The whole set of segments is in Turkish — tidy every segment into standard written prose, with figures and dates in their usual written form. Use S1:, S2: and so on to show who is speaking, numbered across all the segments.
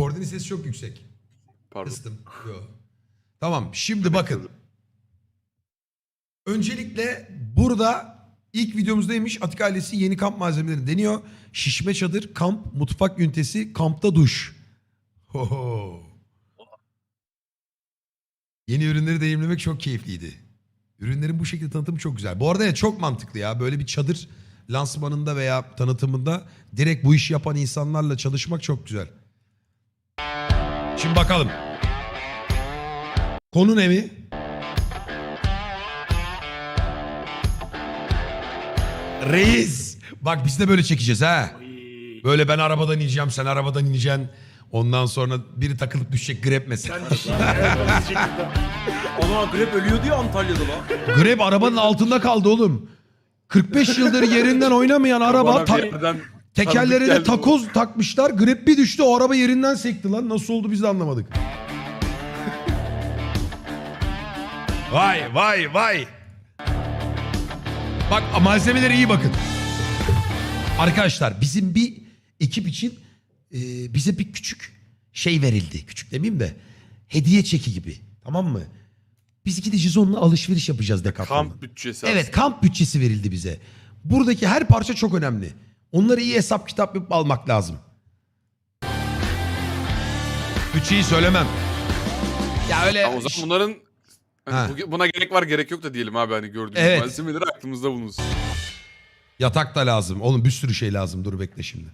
S1: Kordinin sesi çok yüksek.
S2: Pardon.
S1: Kıstım. Yo. Tamam şimdi bakın. Öncelikle burada ilk videomuzdaymış. Atik ailesi yeni kamp malzemelerini deniyor. Şişme çadır, kamp, mutfak ünitesi, kampta duş. Hoho. Yeni ürünleri deneyimlemek çok keyifliydi. Ürünlerin bu şekilde tanıtımı çok güzel. Bu arada ya çok mantıklı ya. Böyle bir çadır lansmanında veya tanıtımında direkt bu işi yapan insanlarla çalışmak çok güzel. Şimdi bakalım. Konu ne mi? Reis. Bak biz de böyle çekeceğiz ha. Böyle ben arabadan ineceğim, sen arabadan ineceksin. Ondan sonra biri takılıp düşecek grep mesela.
S3: Ana grep ölüyordu ya Antalya'da lan.
S1: Grep arabanın altında kaldı oğlum. 45 yıldır yerinden oynamayan araba tekerlerine takoz takmışlar. Grep bir düştü, o araba yerinden sekti lan. Nasıl oldu biz de anlamadık. Vay vay vay. Bak malzemelere iyi bakın. Arkadaşlar bizim bir ekip için bize bir küçük şey verildi. Küçük demeyeyim de hediye çeki gibi. Tamam mı? Biz gideceğiz onunla alışveriş yapacağız Decathlon'dan.
S2: Kamp bütçesi
S1: Evet,
S2: aslında.
S1: kamp bütçesi verildi bize. Buradaki her parça çok önemli. Onları iyi hesap kitap yapıp almak lazım. Bütçeyi söylemem. Ya öyle...
S2: Ama o zaman bunların
S1: Ha.
S2: buna gerek var gerek yok da diyelim abi, hani gördüğümüz
S1: Evet.
S2: malzemeleri aklımızda bulunsun.
S1: Yatak da lazım. Oğlum bir sürü şey lazım. Dur bekle şimdi.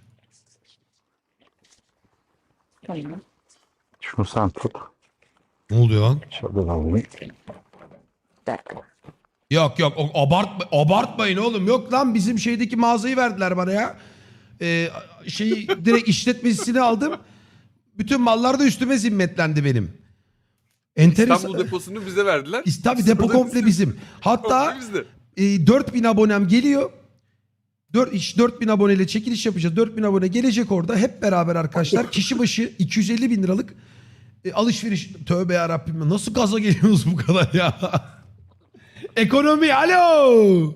S4: Tamam.
S5: Şunu sen tut.
S1: Ne oluyor lan?
S5: Şöyle alayım.
S4: Bir dakika.
S1: Yok yok abartmayın oğlum. Yok lan bizim şeydeki mağazayı verdiler bana ya. Şeyi direkt işletmesini aldım. Bütün mallar da üstüme zimmetlendi benim.
S2: İstanbul deposunu bize verdiler.
S1: Tabii depo komple bizim. Hatta
S2: Komple bizde.
S1: 4000 abonem geliyor. 4000 aboneyle çekiliş yapacağız. 4000 abone gelecek orada. Hep beraber arkadaşlar. Kişi başı 250 bin liralık alışveriş. Tövbe yarabbim. Nasıl gaza geliyorsunuz bu kadar ya? Ekonomi alo.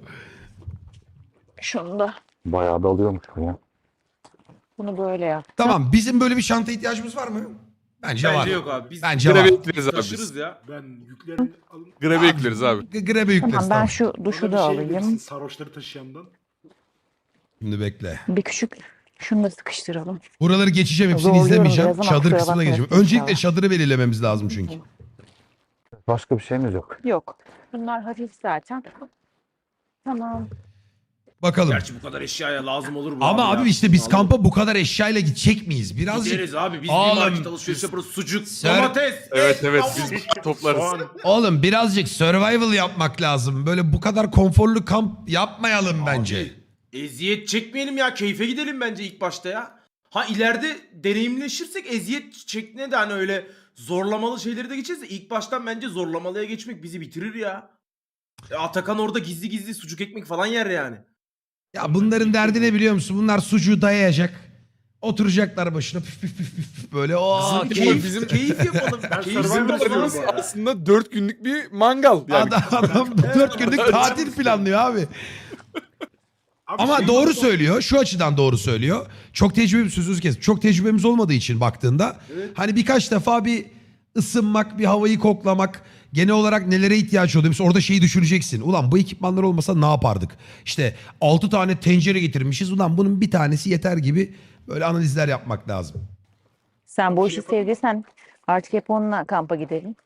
S4: Şunu da.
S5: Bayağı da alıyormuş bu ya.
S4: Bunu böyle yap.
S1: Tamam bizim böyle bir çanta ihtiyacımız var mı? Bence var.
S3: Bence yok abi. Biz
S1: Bence var.
S2: Grebe ekleriz abi
S3: taşırız
S2: biz.
S3: ya.
S6: Ben yüklerini alın.
S2: Grebe ekleriz abi.
S1: Grebe yükleriz
S4: Tamam ben
S1: tamam.
S4: şu duşu
S6: Orada bir
S4: da
S6: şey verirsin,
S4: alayım.
S6: sarhoşları taşıyandan.
S1: Şimdi bekle.
S4: Bir küçük şunu da sıkıştıralım.
S1: Buraları geçeceğim, hepsini
S4: Zorluyorum
S1: izlemeyeceğim.
S4: biraz ama
S1: Çadır
S4: kusura
S1: kısmına
S4: bakmayın.
S1: geçeceğim. Öncelikle
S4: İnşallah.
S1: çadırı belirlememiz lazım çünkü.
S5: Başka bir şeyimiz yok.
S4: Yok. Bunlar hafif zaten. Tamam.
S1: Bakalım.
S3: Gerçi bu kadar eşyaya lazım olur bu
S1: Ama
S3: ya.
S1: abi işte biz
S3: Vallahi.
S1: kampa bu kadar eşyayla gidecek miyiz? Birazcık.
S3: Gideriz abi. Biz
S1: Oğlum,
S3: bir market alışveriş yaparız. Sucuk,
S1: Ser-
S3: domates.
S2: Evet
S3: et,
S2: evet
S3: tavuk.
S2: biz toplarız.
S6: Soğan.
S1: Oğlum birazcık survival yapmak lazım. Böyle bu kadar konforlu kamp yapmayalım bence.
S3: Eziyet çekmeyelim ya. Keyfe gidelim bence ilk başta ya. Ha ileride deneyimleşirsek eziyet çekmeye de hani öyle zorlamalı şeyleri de geçeriz de ilk baştan bence zorlamalıya geçmek bizi bitirir ya. Atakan orada gizli gizli sucuk ekmek falan yer yani.
S1: Ya bunların derdi ne biliyor musun? Bunlar sucuğu dayayacak. Oturacaklar başına püf püf püf püf böyle. Oo, keyif.
S2: Bizim
S3: Keyif yapalım.
S6: Ben
S3: Keyif
S6: Survivor
S3: yapalım.
S6: diyorum bu arada.
S2: aslında 4 günlük bir mangal yani.
S1: Adam 4 günlük tatil planlıyor abi.
S6: Abi
S1: Ama
S6: şey
S1: doğru
S6: yok.
S1: söylüyor. Şu açıdan doğru söylüyor. Çok tecrübemiz sözünüzü kes. Çok tecrübemiz olmadığı için baktığında hani birkaç defa bir ısınmak, bir havayı koklamak, genel olarak nelere ihtiyaç oluyor? Mesela orada şeyi düşüneceksin. Ulan bu ekipmanlar olmasa ne yapardık? İşte 6 tane tencere getirmişiz. Ulan bunun bir tanesi yeter gibi böyle analizler yapmak lazım.
S4: Sen bu işi sevdiysen artık hep onunla kampa gidelim.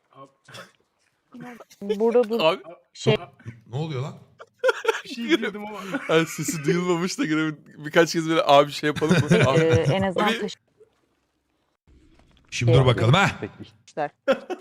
S4: Burada bu
S2: Abi
S4: şey
S1: Ne oluyor lan?
S6: Bir şey girdim ama.
S2: yani sesi duyulmamış da gene birkaç kez böyle abi şey yapalım mı? Abi.
S4: en azından
S2: Abi-
S1: Şimdi dur bakalım ha.
S5: Peki
S4: taşımışlar.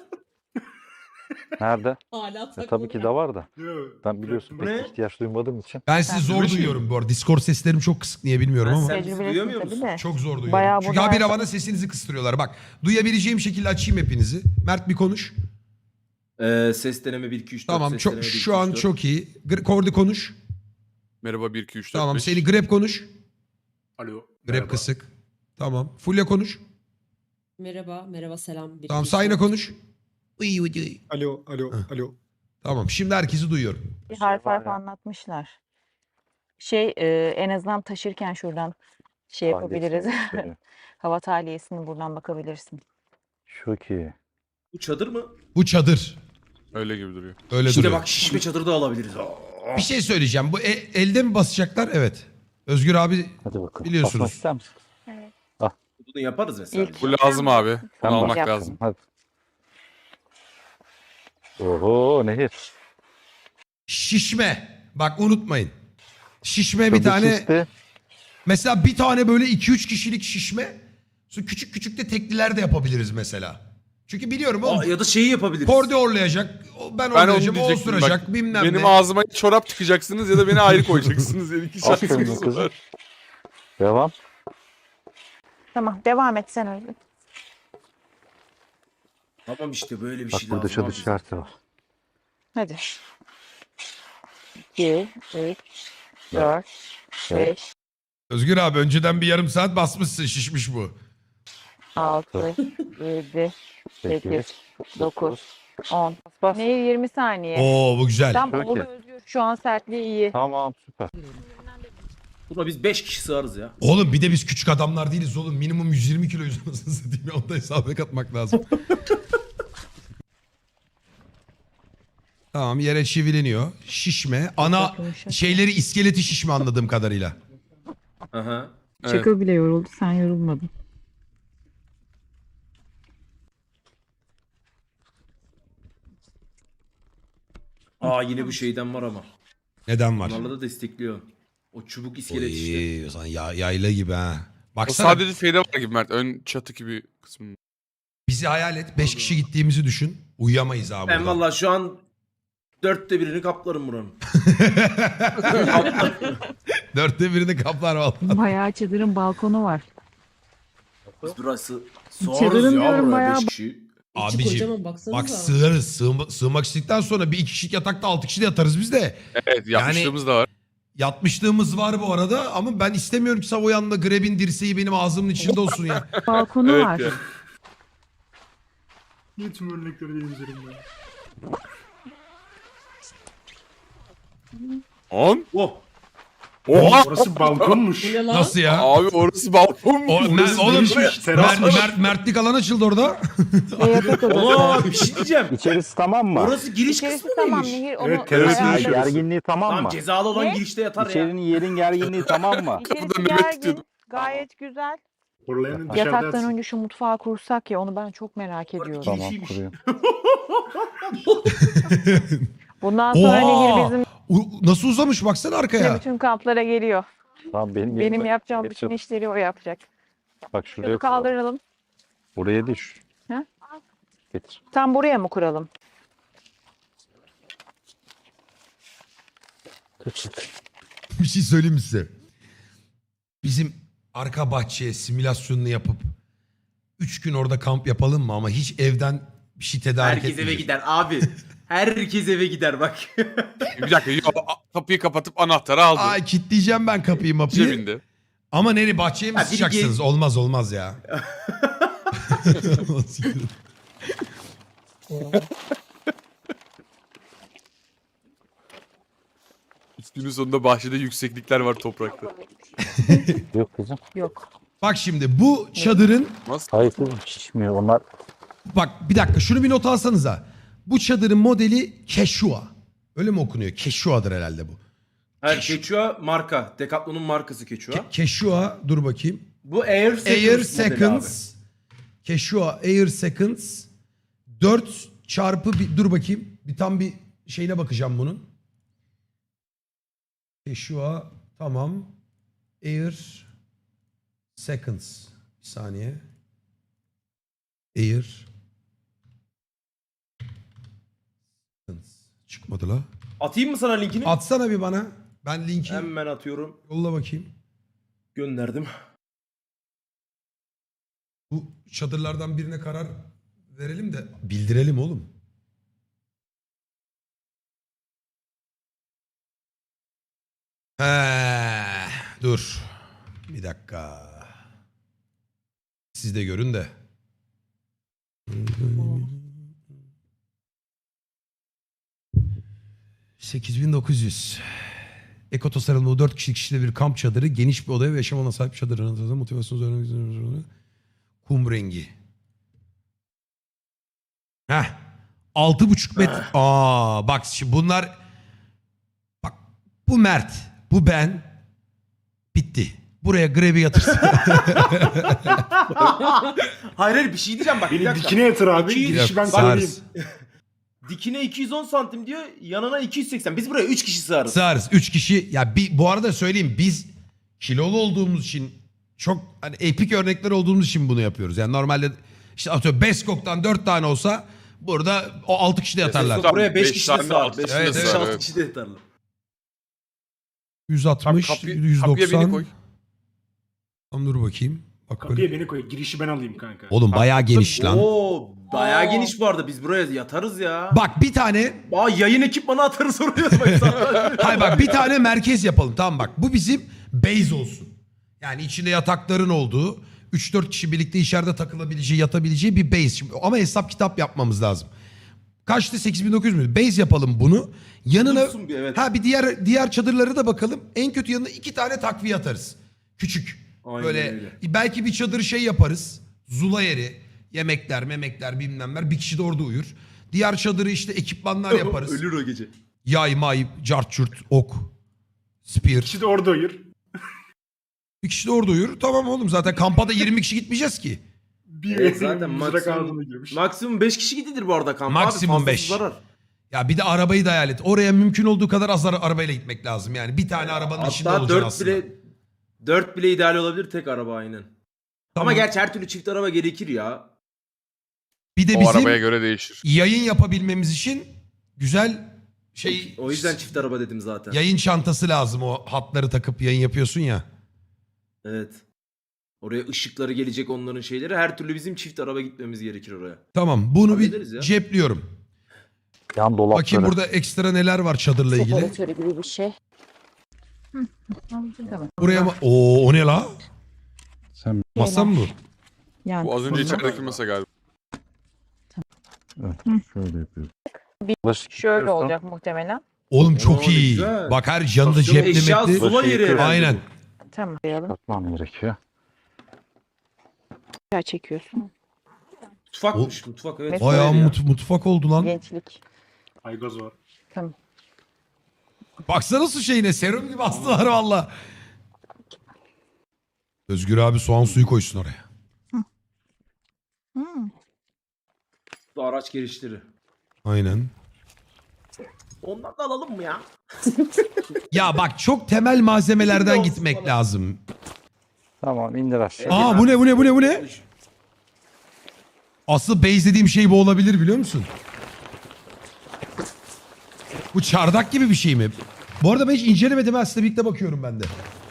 S5: nerede?
S7: Hala
S5: Tabii ki de var da.
S6: Yok.
S5: Ben biliyorsun
S3: Bu ne?
S5: pek ihtiyaç duymadığım için.
S1: Ben sizi zor duyuyorum bu arada. Discord seslerim çok kısık niye bilmiyorum ama.
S3: Sen bizi duyamıyor
S4: Tecrübelisin
S3: musun?
S4: tabii de.
S1: Çok zor duyuyorum.
S4: Bayağı
S1: Çünkü
S4: burada
S1: habire
S4: her-
S1: bana sesinizi kıstırıyorlar. Bak duyabileceğim şekilde açayım hepinizi. Mert bir konuş.
S3: Ses deneme 1 2 3 4.
S1: Tamam
S3: ses
S1: çok
S3: deneme 1, 2,
S1: şu an
S3: 3, 4.
S1: çok iyi. Kordi konuş.
S2: Merhaba 1 2 3 4
S1: Tamam
S2: 5.
S1: seni grep konuş.
S6: Alo.
S1: Grep
S6: merhaba.
S1: kısık. Tamam. Fulya konuş.
S7: Merhaba, merhaba, selam.
S1: Tamam Sayna konuş. Uy, uy, uy.
S6: Alo, alo,
S1: Hı.
S6: alo.
S1: Tamam şimdi herkesi duyuyorum.
S4: Bir harf
S5: var
S4: harf
S5: ya.
S4: anlatmışlar. En azından taşırken şuradan şey
S5: Ailesi
S4: yapabiliriz.
S5: gösteriyor.
S4: Hava tahliyesini buradan bakabilirsin.
S5: Çok iyi.
S3: Bu çadır mı?
S1: Bu çadır.
S2: Öyle gibi duruyor.
S1: Öyle
S3: İşte
S1: duruyor.
S3: bak şişme çadır da alabiliriz. Aa.
S1: Bir şey söyleyeceğim. Bu elde mi basacaklar? Evet. Özgür abi
S5: Hadi bakalım.
S1: Biliyorsunuz.
S5: Basmak ister misin?
S4: Evet.
S3: Bunu yaparız mesela.
S4: İlk-
S2: Bu lazım abi. Bunu
S5: Sen
S2: almak
S5: bak.
S2: lazım.
S5: Hadi. Oho nehir.
S1: şişme. Bak unutmayın. Şişme bir
S5: Çabuk
S1: tane.
S5: şişti.
S1: Mesela bir tane böyle 2-3 kişilik şişme. Sonra küçük küçük de tekliler de yapabiliriz mesela. Çünkü biliyorum oğlum.
S3: Aa, ya da şeyi yapabiliriz.
S1: Kordi orlayacak. Ben
S2: Ben onu
S1: orlayacağım. O
S2: diyecektim
S1: osuracak.
S2: bak.
S1: Bilmem
S2: Benim
S1: ne.
S2: ağzıma çorap tıkacaksınız ya da beni ayrı koyacaksınız. Yani iki
S5: Aferin
S2: şansımız
S5: kızım.
S2: var.
S5: Devam.
S4: Tamam devam et sen öyle.
S3: Tamam işte böyle bir
S5: Bak
S3: şey
S5: burada
S3: lazım.
S5: çadır
S3: abi bize.
S5: işareti var.
S4: Hadi. 2, 3, 4, 5,
S1: Özgür abi önceden bir yarım saat basmışsın. Şişmiş bu.
S4: 6, 7, 8,
S5: 8,
S4: 9, 10. Nehir 20 saniye.
S1: Oo bu güzel.
S4: Tam
S5: Çok
S4: oldu
S5: iyi.
S4: Özgür. Şu an sertliği iyi.
S5: Tamam süper.
S3: Buna biz 5 kişi sığarız ya.
S1: Oğlum bir de biz küçük adamlar değiliz oğlum. Minimum 120 kiloyuz anasını satayım ya. Onu da hesaba katmak lazım. Tamam yere çivileniyor. Şişme. Ana
S4: Yumuşak.
S1: şeyleri iskeleti şişme anladığım kadarıyla.
S3: Aha.
S2: Evet.
S4: Çakıl bile yoruldu. Sen yorulmadın.
S3: Aa yine bu şeyden var ama.
S1: Neden var?
S3: Bunlarla da destekliyor. O çubuk iskelet işte.
S1: Oy, o zaman yayla gibi ha.
S2: O
S1: Baksana
S2: sadece şeyde var gibi Mert. Ön çatı gibi kısmı.
S1: bizi hayal et. 5 kişi gittiğimizi düşün. Uyuyamayız abi
S3: Ben
S1: burada.
S3: valla şu an 1/4'ünü kaplarım buranın.
S1: 4'te birini kaplar vallahi.
S4: Bayağı çadırın balkonu var.
S3: Biz burası
S4: Çadırın
S3: sığarız ya
S4: diyorum
S3: buraya
S4: bayağı-
S3: 5 kişi.
S7: İçi
S1: Abiciğim
S7: kocaman baksanıza.
S1: bak sığarız. Sığmak istedikten sonra bir 2 kişilik yatakta 6 kişi de yatarız biz de.
S2: Evet yapmışlığımız da var.
S1: Yatmışlığımız var bu arada ama ben istemiyorum ki Savoyan'la Greb'in dirseği benim ağzımın içinde olsun ya.
S4: Balkonu
S2: Evet
S4: var.
S2: ya.
S6: Niye tüm örnekleri benim üzerimde?
S2: 10.
S3: Oh.
S2: Oha!
S6: Orası balkonmuş.
S7: Bu ne lan?
S1: Nasıl ya?
S2: Abi orası balkon mu?
S1: Oğlum
S6: gelişmiş, teras var.
S1: Mertlik alan açıldı orada.
S4: Ve yatak odası.
S3: Aa bir şey diyeceğim.
S5: İçerisi tamam mı?
S3: Orası giriş
S4: İçerisi
S3: kısmı
S4: tamam
S3: mıymış?
S4: Nehir onu
S6: Evet, terası
S4: ayarlarız.
S6: yaşarız.
S5: Gerginliği tamam
S3: Tamam
S5: mı?
S3: cezalı olan
S4: Ne?
S3: girişte yatar ya.
S5: İçerinin yerin gerginliği tamam mı?
S4: İçerisi
S2: Kapıda Mehmet
S4: gergin.
S2: tutuyordum.
S4: Gayet güzel.
S6: Horlayanın dışarıda
S4: Yataktan
S6: yatsın.
S4: önce şu mutfağı kursak ya onu ben çok merak ediyorum.
S5: Tamam
S3: Girişiymiş.
S5: kuruyorum.
S4: Bundan sonra Nehir bizim
S1: Nasıl uzamış baksana arkaya.
S4: bütün kamplara geliyor.
S5: Tamam benim
S4: Benim
S5: yerime
S4: yapacağım
S5: geç
S4: bütün
S5: yap.
S4: işleri o yapacak.
S5: Bak şuraya
S4: Şunu
S5: koy.
S4: kaldıralım.
S5: Buraya değil şu.
S4: Ha?
S5: Getir.
S4: Tam buraya mı kuralım?
S1: Bir şey söyleyeyim mi size? Bizim arka bahçeye simülasyonunu yapıp 3 gün orada kamp yapalım mı? Ama hiç evden bir şey tedarik
S3: Herkes eve
S1: etmeyeceğiz.
S3: gider abi. Herkes eve gider bak.
S2: Bir dakika yok, kapıyı kapatıp anahtarı aldı.
S1: Ay kilitleyeceğim ben kapıyı mapıyı.
S2: Cebinde.
S1: Ama nereye bahçeye mi
S3: Ha, biri
S1: sıçacaksınız? Olmaz ya.
S2: Üstünün sonunda bahçede yükseklikler var toprakta.
S5: Yok kızım.
S4: Yok.
S1: Bak şimdi bu çadırın
S2: Nasıl?
S5: Hayır kızım şişmiyor. Onlar
S1: bak bir dakika şunu bir not alsanıza. Bu çadırın modeli Quechua. Öyle mi okunuyor? Quechua'dır herhalde bu.
S3: Hayır Quechua marka. Decathlon'un markası Quechua.
S1: Quechua dur bakayım.
S3: Bu Air Seconds
S1: Air
S3: modeli
S1: Seconds. Quechua Air Seconds. 4 çarpı bir, dur bakayım. Bir tam bir şeyine bakacağım bunun. Quechua tamam. Air Seconds. Bir saniye. Air Seconds. Çıkmadı la.
S3: abi. Atayım mı sana linkini?
S1: Atsana bir bana. Ben linki
S3: Hemen atıyorum.
S1: yolla bakayım.
S3: Gönderdim.
S1: Bu çadırlardan birine karar verelim de bildirelim oğlum. Dur. Bir dakika. Siz de görün de. $8.900. Eko tasarımlı 4 kişilik bir kamp çadırı, geniş bir odaya ve yaşam alanına sahip çadırın motivasyonu öğrenmek. Kum rengi. Heh. 6,5 metre. Bak şimdi bunlar, bak bu Mert, bu ben, bitti. Buraya grevi yatırsın.
S3: Hayır bir şey diyeceğim bak. bir
S6: Beni
S3: dakika.
S6: dikine yatır abi.
S3: 200
S6: Girişi ben
S1: Sığarız.
S6: söyleyeyim.
S3: Dikine 210 santim diyor. Yanına 280. Biz buraya 3 kişi sığarız.
S1: Sığarız. 3 kişi. Ya bu arada söyleyeyim, biz kilolu olduğumuz için, çok hani epik örnekler olduğumuz için bunu yapıyoruz. Yani normalde işte atıyorum Beskok'tan 4 tane olsa burada o 6 kişi de yatarlar.
S3: Buraya 5
S2: Beş
S3: kişi de
S2: tane,
S3: sığar.
S2: altı
S3: 5
S2: kişi
S1: de sığar,
S3: 6
S2: evet.
S3: kişi de yatarlar.
S1: 160,
S2: Kapıya
S1: 190.
S2: beni koy.
S1: Tamam, dur bakayım. Bak
S6: Kapıya
S1: böyle.
S6: beni koy. Girişi ben alayım kanka.
S1: Oğlum bayağı geniş lan.
S3: Oo, bayağı geniş bu arada. Biz buraya yatarız ya.
S1: Bak bir tane,
S3: Yayın ekipmanı atarız oraya. Bak sana.
S1: hayır bak bir tane merkez yapalım, tamam bak. Bu bizim base olsun. Yani içinde yatakların olduğu, 3-4 kişi birlikte içeride takılabileceği, yatabileceği bir base. Şimdi, ama hesap kitap yapmamız lazım. Kaçtı? 8900 mü? Base yapalım bunu. Yanına
S3: Dursun bir, evet.
S1: bir diğer çadırlara da bakalım. En kötü yanına 2 tane takviye atarız. Küçük.
S3: Aynen
S1: Böyle
S3: öyle.
S1: belki bir çadır şey yaparız. Zula yeri, yemekler, memekler, bilmemler. Bir kişi de orada uyur. Diğer çadırı işte ekipmanlar yaparız.
S3: Ölür o gece.
S1: Yay, may, cart, çurt, ok, spear.
S6: Kişi de orada uyur.
S1: Bir kişi de orada uyur. Tamam oğlum, zaten kampa da 20 kişi gitmeyeceğiz ki.
S6: Bir
S3: Evet, zaten
S6: mızrak ağzına
S3: maksimum,
S6: girmiş.
S3: maksimum 5 kişi gidilir bu arada kampa.
S1: Maksimum
S3: abi, fazlası
S1: 5.
S3: zarar.
S1: Ya bir de arabayı da hayal et. Oraya mümkün olduğu kadar az arabayla gitmek lazım. Yani bir tane arabanın içinde
S3: Hatta
S1: olacaksın
S3: 4
S1: aslında.
S3: bile 4 bile ideal olabilir, tek araba aynen. Ama
S1: Tamam.
S3: gerçi her türlü çift araba gerekir ya.
S1: Bir de
S2: O
S1: bizim
S2: arabaya göre değişir.
S1: yayın yapabilmemiz için güzel şey,
S3: O yüzden çift araba dedim zaten.
S1: yayın çantası lazım. O hatları takıp yayın yapıyorsun ya.
S3: Evet. Oraya ışıkları gelecek, onların şeyleri. Her türlü bizim çift araba gitmemiz gerekir oraya.
S1: Tamam, bunu
S3: Hallederiz
S1: bir
S3: ya.
S1: cepliyorum.
S5: Yan dolapları.
S1: Bakayım burada ekstra neler var çadırla ilgili.
S4: Separatörü gibi bir şey. Tamam.
S1: Buraya mı? Oo, o ne la?
S5: Sen
S1: Masa mı bu?
S4: Yani
S2: Bu az önce içerideki masa galiba.
S5: şöyle yapıyorsun.
S4: Bir-
S5: Bulaşık
S4: şöyle
S5: yıkıyorsan
S4: olacak muhtemelen.
S1: Oğlum çok
S3: Oo,
S1: iyi.
S3: güzel.
S1: Bak her yanında
S3: Çok eşya
S1: ceplemekli.
S3: sula
S5: Bulaşık
S3: yeri
S5: yıkıyor.
S3: herhalde.
S1: Aynen.
S4: Tamam. Koyalım.
S5: Katmam gerekiyor.
S4: Aşağı çekiyorsun.
S3: Mutfakmış mutfak, evet.
S4: Mesela-
S1: Bayağı
S3: Öyle ya.
S1: mutfak oldu lan.
S4: Gençlik.
S6: Aygoz var.
S4: Tamam.
S1: Baksana su şeyine, serum gibi astılar valla. Özgür abi soğan suyu koysun oraya.
S3: Bu araç girişleri.
S1: Aynen.
S3: Ondan da alalım mı ya?
S1: Ya bak çok temel malzemelerden
S3: Şimdi
S1: gitmek
S3: olsun bana.
S1: lazım.
S5: Tamam indir aşağı.
S1: Aa bu ne? Asıl base dediğim şey bu olabilir, biliyor musun? Bu çardak gibi bir şey mi? Bu arada ben hiç incelemedim. Ben sizinle birlikte bakıyorum ben de.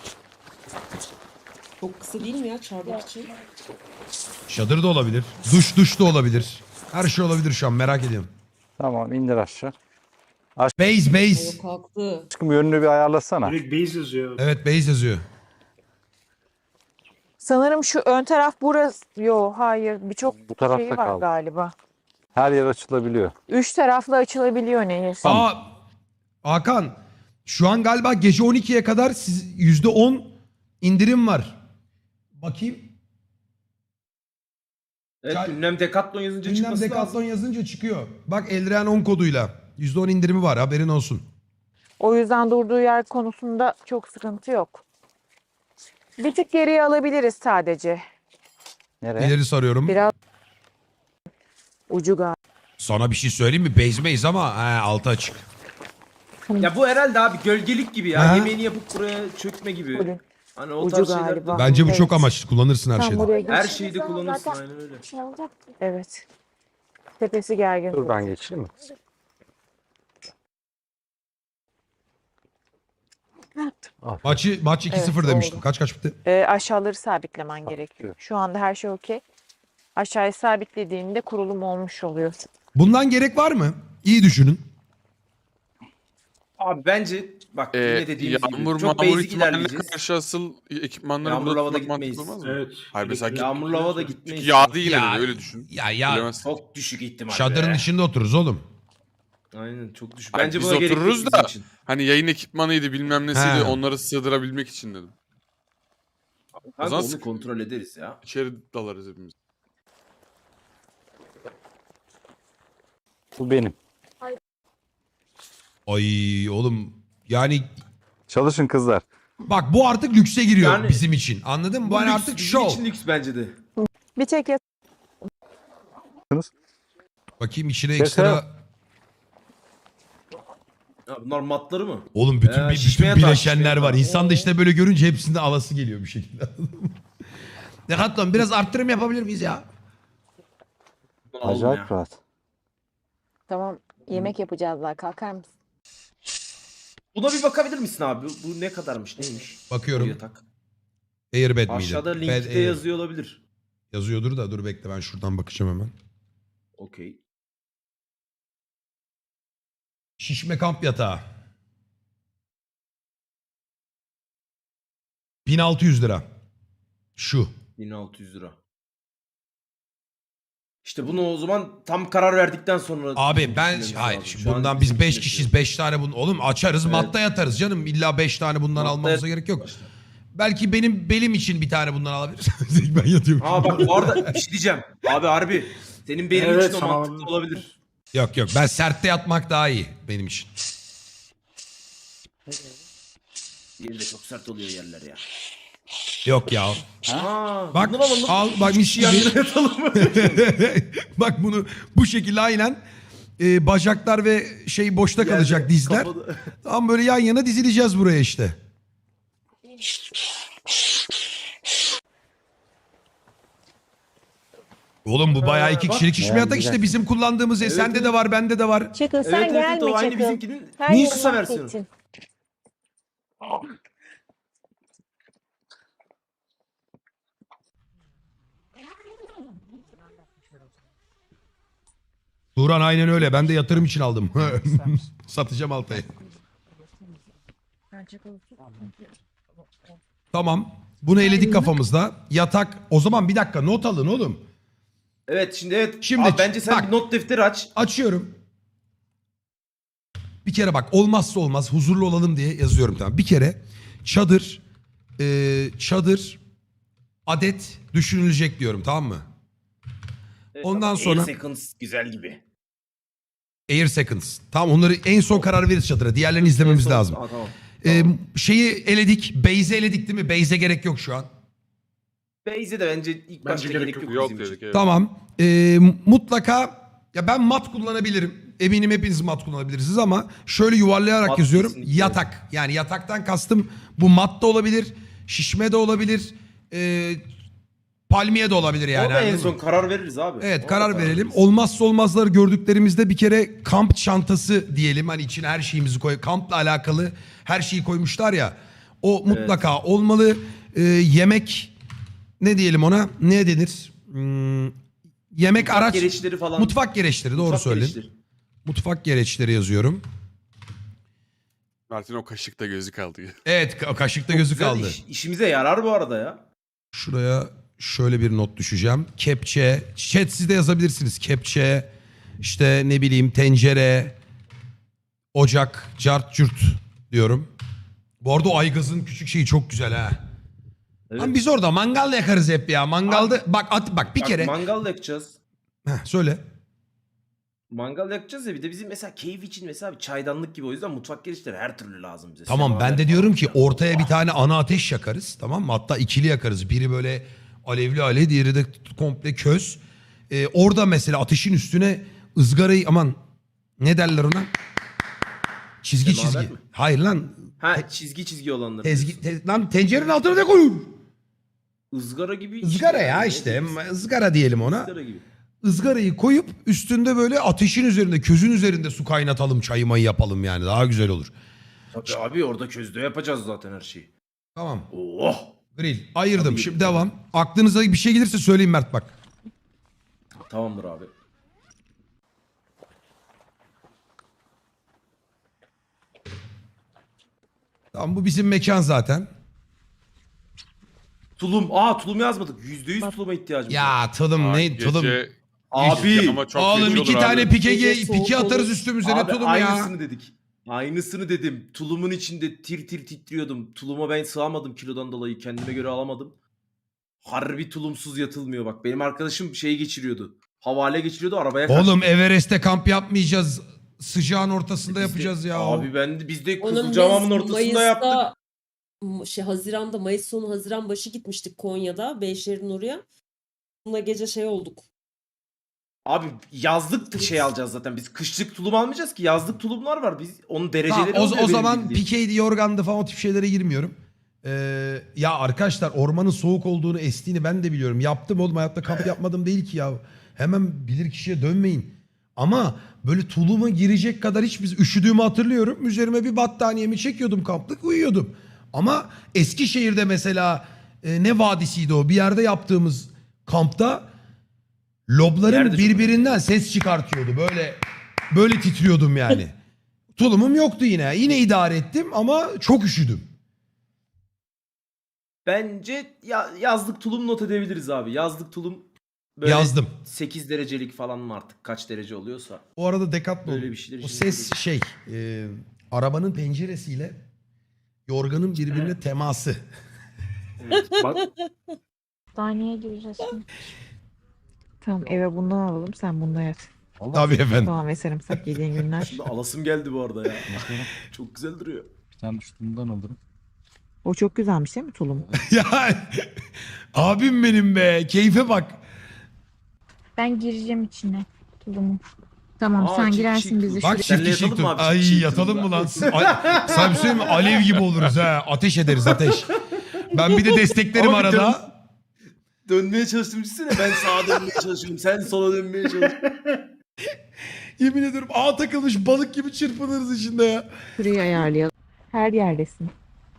S7: Çok kısa değil mi ya çardak için?
S1: Çadır da olabilir. Duş da olabilir. Her şey olabilir şu an, merak ediyorum.
S5: Tamam indir aşağı.
S1: Base.
S7: Yok kalktı.
S5: Aşkım yönünü bir ayarlasana.
S6: Direkt base yazıyor.
S1: Evet, base yazıyor.
S4: Sanırım şu ön taraf burası. Yo hayır. Birçok
S5: Bu tarafta
S4: şey var
S5: kaldı.
S4: galiba.
S5: Her yer açılabiliyor.
S4: 3 taraflı açılabiliyor neyse.
S1: Aa Hakan, şu an galiba gece 12'ye kadar %10 indirim var. Bakayım.
S3: Evet,
S1: Çay-
S3: ünlem Decathlon yazınca
S1: Ünlem
S3: çıkması
S1: Decathlon
S3: lazım.
S1: yazınca çıkıyor. Bak Eldren 10 koduyla. %10 indirimi var, haberin olsun.
S4: O yüzden durduğu yer konusunda çok sıkıntı yok. Bir tık geriye alabiliriz sadece.
S5: Nereye?
S1: İleri sarıyorum.
S4: Biraz ucu galiba.
S1: Sana bir şey söyleyeyim mi? Base ama altı açık.
S3: Ya bu herhalde abi gölgelik gibi ya.
S1: Ha?
S3: Yemeğini yapıp buraya çökme gibi.
S4: Ucu.
S3: Hani o
S4: Ucu
S3: tarz şeyler.
S4: galiba.
S1: Bence bu
S4: Evet.
S1: çok amaçlı. Kullanırsın her
S4: Tam
S1: şeyde.
S4: buraya
S3: Her
S4: geç.
S3: şeyde kullanırsın aynen öyle.
S4: Evet. Tepesi gergin.
S5: Dur ben geçeyim mi?
S1: Maç 2-0
S4: Evet,
S1: demiştim.
S4: oldu.
S1: Kaç bitti?
S4: Aşağıları sabitlemen gerekiyor. Şu anda her şey okey. Aşağıyı sabitlediğinde kurulum olmuş oluyor.
S1: Bundan gerek var mı? İyi düşünün.
S3: Abi bence bak yine dediğimiz
S2: Yağmur
S3: gibi çok
S2: mağmur
S3: basic
S2: ihtimaline
S3: ilerleyeceğiz.
S2: karşı asıl ekipmanları
S3: Yağmurlu
S2: burada
S3: havada
S2: tutmak mantıklı
S3: gitmeyiz.
S2: olmaz mı?
S6: Evet.
S2: Hayır, mesela
S3: Yağmurlu havada gitmeyiz.
S2: Çünkü yağdı yine
S1: Ya-
S2: de öyle düşün.
S1: Ya
S2: Bilemezsin.
S3: Çok düşük ihtimal
S1: çadırın
S3: be.
S1: içinde otururuz oğlum.
S3: Aynen çok düşük.
S2: Ay,
S3: Bence
S2: biz
S3: buna gerek yok
S2: otururuz
S3: bizim
S2: da.
S3: için.
S2: Hani yayın ekipmanıydı bilmem nesiydi
S1: He.
S2: onları sığdırabilmek için dedim.
S3: Kanka
S2: zaman
S3: onu
S2: sık-
S3: kontrol ederiz ya.
S2: İçeri dalarız hepimiz.
S5: Bu benim.
S1: Ay oğlum yani
S5: Çalışın kızlar.
S1: bak bu artık lükse giriyor
S3: Yani-
S1: bizim için. Anladın mı? Bu hani
S3: lüks,
S1: artık
S3: bizim
S1: şov.
S3: için lüks bence de.
S4: Bir tek
S1: Bakayım içine
S5: Şaka.
S1: ekstra.
S3: Ya bunlar matları mı?
S1: Oğlum bütün
S3: şişmeye
S1: bütün
S3: taş,
S1: bileşenler
S3: şişmeye
S1: var.
S3: taş.
S1: İnsan da işte böyle görünce hepsinde alası geliyor bir şekilde. Decathlon biraz arttırım yapabilir miyiz ya?
S3: Bunu alalım
S5: Acayip
S3: ya.
S5: rahat.
S4: tamam yemek yapacağız daha kalkar mısın?
S3: Buna bir bakabilir misin abi? Bu ne kadarmış neymiş? Bu
S1: Bakıyorum.
S3: yatak.
S1: Airbed miydi?
S3: Aşağıda
S1: Bed
S3: linkte
S1: Air.
S3: yazıyor olabilir.
S1: Yazıyordur da dur bekle ben şuradan bakacağım hemen.
S3: Okey.
S1: Şişme kamp yatağı. 1600 lira. Şu.
S3: 1600 lira. İşte bunu o zaman tam karar verdikten sonra...
S1: Abi ben
S3: düşünmemiz
S1: hayır
S3: lazım.
S1: şimdi
S3: Şu an
S1: bundan
S3: bizim
S1: biz 5
S3: için
S1: kişiyiz.
S3: yaşıyor.
S1: 5 tane bunu oğlum açarız
S3: Evet.
S1: matta yatarız canım. İlla 5 tane bundan
S3: Matta
S1: almamıza
S3: yat-
S1: gerek yok. Belki benim belim için bir tane bundan alabiliriz. Ben yatıyorum.
S3: Aa bak bu arada bir şey diyeceğim. Abi harbi. Senin benim
S6: Evet,
S3: için o
S6: sana
S3: mantıklı olabilir.
S1: Yok yok ben sertte yatmak daha iyi benim için.
S3: Yeri de çok sert oluyor yerler ya.
S1: Yok ya.
S3: Aa,
S1: Bak
S3: bundan alalım.
S1: al bak mis
S3: Yan yana
S1: gibi.
S3: yatalım mı?
S1: Bak bunu bu şekilde aynen bacaklar ve şey boşta kalacak
S3: Yerde,
S1: dizler.
S3: kafada.
S1: Tam böyle yan yana dizileceğiz buraya işte. Oğlum bu bayağı iki kişilik şişme
S5: Bayağı
S1: yatak
S5: güzel.
S1: işte bizim kullandığımız sende de var bende de var.
S4: Çakıl sen
S3: Evet, evet,
S4: gelme
S3: o aynı
S4: Çakıl.
S3: bizimkinin
S4: Her
S1: Niye
S4: yeri
S3: kısa versiyonu.
S4: mahvettin.
S1: Turan aynen öyle ben de yatırım için aldım. Satacağım Altay'ı. Tamam. Bunu eledik kafamızda. Yatak. O zaman bir dakika not alın oğlum.
S3: Evet şimdi evet.
S1: Şimdi
S3: Abi, bence sen
S1: bak.
S3: bir not defteri aç.
S1: Açıyorum. Bir kere bak olmazsa olmaz huzurlu olalım diye yazıyorum tamam. Bir kere çadır adet düşünülecek diyorum tamam mı?
S3: Evet,
S1: Ondan
S3: tamam.
S1: sonra-
S3: 8 seconds güzel gibi.
S1: Air Seconds. Tamam onları en son karar veririz çadıra. Diğerlerini izlememiz
S3: En son-
S1: lazım.
S3: Aa, tamam.
S1: Şeyi eledik. Base'i eledik değil mi? Base'e gerek yok şu an.
S3: Base'e de bence ilk başta gerek yok,
S2: Yok
S3: bizim için.
S2: dedik evet.
S1: Tamam. Mutlaka ya ben mat kullanabilirim. Eminim hepiniz mat kullanabilirsiniz ama şöyle yuvarlayarak
S3: Mat
S1: yazıyorum.
S3: kesinlikle.
S1: Yatak. Yani yataktan kastım bu mat da olabilir. Şişme de olabilir. Palmiye de olabilir yani.
S3: Orada en
S1: anladın mı?
S3: son karar veririz abi.
S1: Evet
S3: Orada
S1: karar verelim.
S3: veririz.
S1: Olmazsa olmazları gördüklerimizde bir kere kamp çantası diyelim. Hani içine her şeyimizi koy. Kampla alakalı her şeyi koymuşlar ya. O mutlaka olmalı. Yemek ne diyelim ona? Ne denir? Yemek
S3: Mutfak
S1: araç.
S3: gereçleri falan.
S1: Mutfak gereçleri doğru
S3: Mutfak
S1: söyledin.
S3: gereçleri.
S1: Mutfak gereçleri yazıyorum.
S2: Mert'in o kaşıkta gözü kaldı.
S1: Evet kaşıkta gözü
S3: Güzel
S1: kaldı.
S3: işimize yarar bu arada ya.
S1: Şuraya şöyle bir not düşeceğim. Kepçe. Chat siz de yazabilirsiniz. Kepçe. İşte ne bileyim tencere. Ocak. Cart cürt diyorum. Bu arada o aygazın küçük şeyi çok güzel ha.
S3: Evet.
S1: Lan biz orada mangal yakarız hep ya. Mangalda bak bir
S3: Bak,
S1: kere.
S3: mangal yakacağız.
S1: Söyle.
S3: Mangal yakacağız ya bir de bizim mesela keyif için mesela bir çaydanlık gibi o yüzden mutfak gereçleri her türlü lazım bize.
S1: Tamam ben
S3: Semaver
S1: de diyorum
S3: falan
S1: ki
S3: filan.
S1: ortaya bir tane ana ateş yakarız. Tamam mı? Hatta ikili yakarız. Biri böyle alevli alev diğeri de komple köz. Orada mesela ateşin üstüne ızgarayı aman ne derler ona? Çizgi
S3: Semaver
S1: çizgi.
S3: mi?
S1: Hayır lan.
S3: Ha çizgi olanları.
S1: Lan tencerenin altına ne koyun?
S3: Izgara gibi.
S1: Izgara ya
S3: Ne
S1: işte.
S3: diyeyim?
S1: Izgara diyelim ona.
S3: Izgara gibi.
S1: Izgarayı koyup üstünde böyle ateşin üzerinde közün üzerinde su kaynatalım çayı mayı yapalım yani daha güzel olur.
S3: Tabii abi orada közde yapacağız zaten her şeyi.
S1: Tamam.
S3: Oh.
S1: Grill ayırdım.
S3: Tabii.
S1: Şimdi devam. Aklınıza bir şey gelirse söyleyin Mert bak.
S3: Tamamdır abi.
S1: Tamam bu bizim mekan zaten.
S3: Tulum. Aa tulum yazmadık. %100 tuluma ihtiyacımız var.
S1: Ya tulum ne tulum.
S2: Gece
S3: Abi.
S2: Ama çok
S1: Oğlum
S2: feci
S1: iki
S2: olur
S1: tane
S2: abi.
S1: pike,
S7: Gece soğuk
S1: pike atarız
S7: olur.
S1: üstümüze
S3: Abi
S1: ne tulum ya.
S3: aynısını dedik. Aynısını dedim. Tulumun içinde tir tir titriyordum. Tuluma ben sığamadım kilodan dolayı. Kendime göre alamadım. Harbi tulumsuz yatılmıyor bak. Benim arkadaşım şey geçiriyordu. Havale geçiriyordu arabaya kaçtı.
S1: Oğlum Everest'te kamp yapmayacağız. Sıcağın ortasında
S3: Biz de-
S1: yapacağız ya.
S3: Abi biz de
S7: Onun
S3: Kızılcamam'ın
S7: biz
S3: ortasında yaptık.
S7: Haziran'da, Mayıs sonu Haziran başı gitmiştik Konya'da. Beyşehir'in oraya. Buna gece şey olduk.
S3: Abi yazlık şey alacağız zaten. Biz kışlık tulum almayacağız ki. Yazlık tulumlar var. Biz onun
S1: Tamam,
S3: dereceleri
S1: o
S3: oluyor benim
S1: zaman
S3: bildiğim.
S1: pikeydi, yorgandı falan o tip şeylere girmiyorum. Ya arkadaşlar ormanın soğuk olduğunu, estiğini ben de biliyorum. Yaptım oğlum, hayatta kamp yapmadım değil ki ya. Hemen bilir kişiye dönmeyin. Ama böyle tuluma girecek kadar hiç biz üşüdüğümü hatırlıyorum. Üzerime bir battaniyemi çekiyordum, kamplık uyuyordum. Ama Eskişehir'de mesela ne vadisiydi o? Bir yerde yaptığımız kampta lobların
S3: Yerde çok
S1: birbirinden ses çıkartıyordu. Böyle titriyordum yani. Tulumum yoktu yine. Yine idare ettim ama çok üşüdüm.
S3: Bence yazlık tulum not edebiliriz abi. Yazlık tulum böyle
S1: Yazdım.
S3: 8 derecelik falan mı artık kaç derece oluyorsa.
S1: O arada Decathlon.
S3: Böyle bir şeyler
S1: O
S3: için
S1: ses şey, arabanın penceresiyle yorganın birbirine teması.
S6: Evet, bak
S4: Hastaneye gireceğiz şimdi. Tamam eve bundan alalım sen bundan yat.
S1: Tabii efendim.
S4: Soğan ve sarımsak yediğin günler.
S3: Şimdi alasım geldi bu arada ya. Çok güzel duruyor.
S5: Bir tane üstünden alırım.
S4: O çok güzelmiş değil mi tulum?
S1: Ya abim benim be. Keyfe bak.
S4: Ben gireceğim içine tulumu. Tamam
S3: Aa,
S4: sen
S3: çift
S4: girersin
S3: çift
S4: bizi
S3: tulum.
S4: şuraya.
S1: Bak
S3: Senle
S1: çift kişilik
S3: yatalım mı
S1: tur.
S3: abi?
S1: Ay
S3: Çift
S1: yatalım
S3: tulumda.
S1: mı lan? Sana bir şey söyleyeyim mi? Alev gibi oluruz ha. Ateş ederiz ateş. Ben bir de desteklerim
S3: Ama bir
S1: arada.
S3: Dönmeye çalıştım düşünsene. Ben sağa dönmeye çalışıyorum. Sen sola dönmeye çalışıyorsun.
S1: Yemin ediyorum ağa takılmış balık gibi çırpınırız içinde ya.
S4: Şurayı ayarlayalım. Her yerdesin.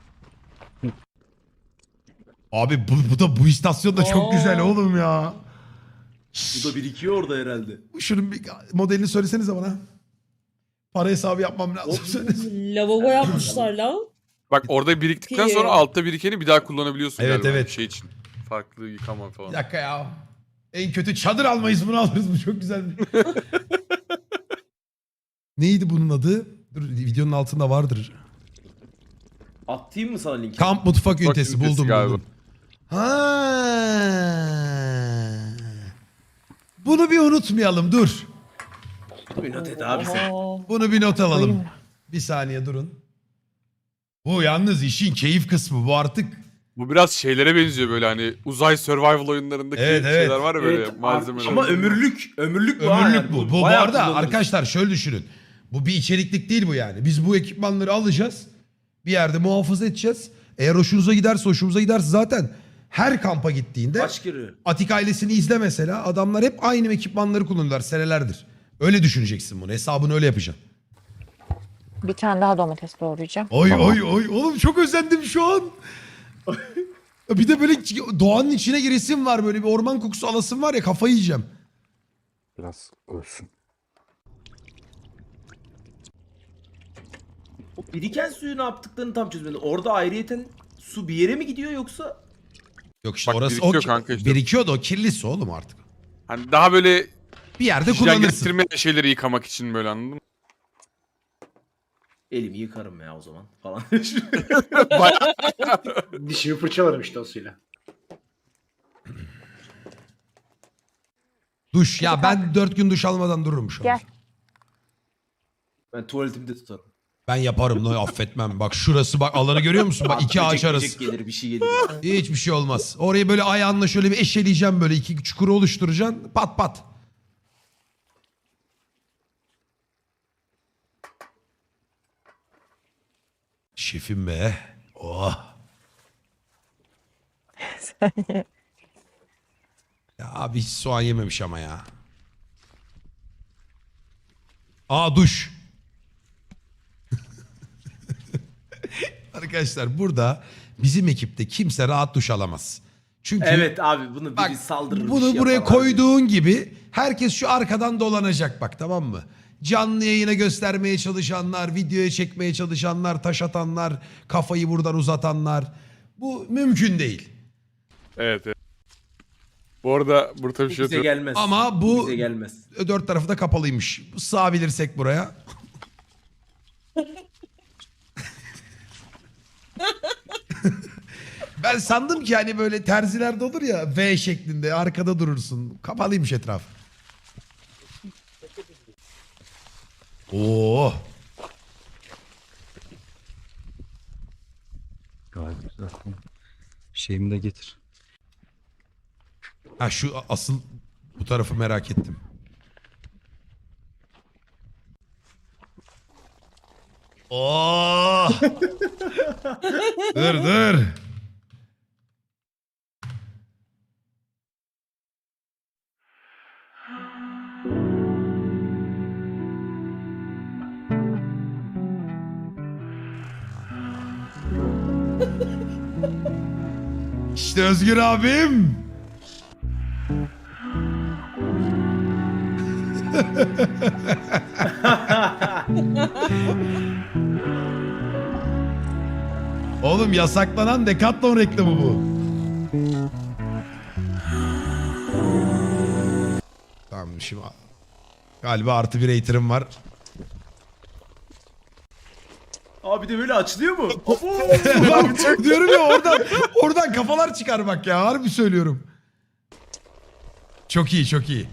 S1: Abi bu istasyon da çok
S3: Aa.
S1: güzel oğlum ya.
S3: Bu da birikiyor orada herhalde.
S1: Şunun bir modelini söylesenize bana. Para hesabı yapmam lazım. Söylesene.
S7: Lavabo yapmışlar la.
S2: Bak orada biriktikten
S7: Ki-
S2: sonra altta birikeni bir daha kullanabiliyorsun
S1: Evet,
S2: galiba.
S1: evet.
S2: Şey için. Farklı yıkama falan.
S1: Bir dakika ya. En kötü çadır almayız bunu alırız. Bu çok güzel. Neydi bunun adı? Dur videonun altında vardır.
S3: Atayım mı sana linki?
S1: Kamp mutfak ünitesi
S2: ünitesi
S1: buldum
S2: galiba.
S1: buldum. Ha. Bunu bir unutmayalım dur.
S3: Bir not et abi sen.
S1: Bunu bir not alalım.
S4: Koyayım.
S1: Bir saniye durun. Bu yalnız işin keyif kısmı bu artık.
S2: Bu biraz şeylere benziyor böyle hani uzay survival oyunlarındaki
S1: Evet, evet.
S2: şeyler var ya böyle
S6: Evet,
S2: malzemeler.
S3: Ama ömürlük bu. ha
S1: Ömürlük
S3: yani.
S1: bu. Bu
S3: bayağı
S1: arada
S3: kullanırız.
S1: arkadaşlar şöyle düşünün. Bu bir içeriklik değil bu yani. Biz bu ekipmanları alacağız. Bir yerde muhafaza edeceğiz. Eğer hoşunuza giderse zaten her kampa gittiğinde
S3: Kaç kere?
S1: Atik ailesini izle mesela. Adamlar hep aynı ekipmanları kullanıyorlar senelerdir. Öyle düşüneceksin bunu. Hesabını öyle yapacaksın.
S4: Bir tane daha domates doğrayacağım.
S1: Oy
S4: Tamam.
S1: oy oy. Oğlum çok özendim şu an. Bir de böyle doğanın içine giresim var. Böyle bir orman kokusu alasım var ya, kafayı yiyeceğim.
S5: Biraz ölsün.
S3: O biriken suyu ne yaptıklarını tam çözmedim. Orada ayrıyeten su bir yere mi gidiyor yoksa?
S1: Yok işte
S2: Bak
S1: orası
S2: birikiyor kanka işte.
S1: birikiyor da o kirli su oğlum artık.
S2: Hani daha böyle
S1: Bir yerde
S2: hijyen
S1: kullanırsın.
S2: getirmeyen şeyleri yıkamak için böyle anladın mı?
S3: Elimi yıkarım ya o zaman falan.
S6: dişimi fırçalarım işte o suyla.
S1: Duş. Ya ben 4 gün duş almadan dururum şu an.
S4: Gel.
S3: Ben tuvaletimde tutarım.
S1: Ben yaparım lan, affetmem. Bak şurası bak, alanı görüyor musun? Bak iki ağaç
S3: Böcek
S1: arası.
S3: gelir bir şey gelir.
S1: Hiçbir şey olmaz. Orayı böyle ayağınla şöyle bir eşeleyeceğim, böyle iki çukuru oluşturacaksın. Pat pat. Şefim be. Oh. Ya abi hiç soğan yememiş ama ya. Aa duş. Arkadaşlar burada bizim ekipte kimse rahat duş alamaz. Çünkü
S3: Evet abi bunu biri
S1: bak
S3: saldırır. bir
S1: bunu
S3: şey
S1: buraya
S3: yapar abi.
S1: koyduğun gibi herkes şu arkadan dolanacak bak, tamam mı? Canlı yayına göstermeye çalışanlar, videoya çekmeye çalışanlar, taş atanlar, kafayı buradan uzatanlar. Bu mümkün değil.
S2: Evet, evet. Bu arada burada bir şey
S3: Bize
S2: yok.
S3: gelmez.
S1: Ama bu
S3: Bize gelmez.
S1: dört tarafı da kapalıymış. Sığabilirsek buraya. Ben sandım ki hani böyle terzilerde olur ya V şeklinde arkada durursun. Kapalıymış etraf. Oo.
S5: Gayet güzel. Şeyimi de getir.
S1: Ha şu asıl bu tarafı merak ettim. Oo. Dur dur. İşte Özgür abim. Oğlum yasaklanan Decathlon reklamı bu. Tamam şimdi galiba artı bir hater'ım var.
S3: Abi de böyle açılıyor mu?
S1: Bak, diyorum ya oradan kafalar çıkar bak ya harbi söylüyorum. Çok iyi çok iyi.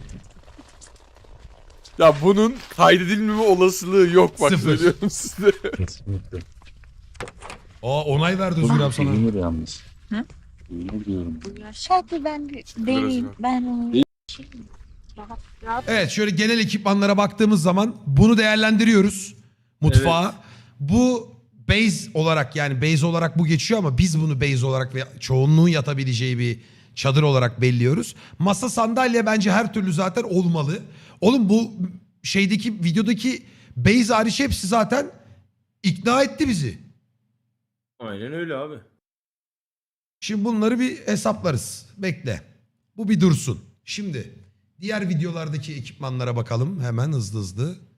S2: Ya bunun kaydedilmeme olasılığı yok bak
S1: Sıfır.
S2: söylüyorum size.
S5: Kesinlikle.
S1: Aa onay verdi Özgür abi sana.
S5: Bilinir yalnız.
S8: Hı?
S5: Bilinir diyorum.
S8: Hadi ben bir deneyeyim. Ben onu rahat
S1: Evet şöyle genel ekipmanlara baktığımız zaman bunu değerlendiriyoruz. Mutfağa. Bu base olarak yani base olarak bu geçiyor ama biz bunu base olarak ve çoğunluğun yatabileceği bir çadır olarak belliyoruz. Masa sandalye bence her türlü zaten olmalı. Oğlum bu şeydeki videodaki base hariç hepsi zaten ikna etti bizi.
S3: Aynen öyle abi.
S1: Şimdi bunları bir hesaplarız. Bekle. Bu bir dursun. Şimdi diğer videolardaki ekipmanlara bakalım hemen hızlı hızlı.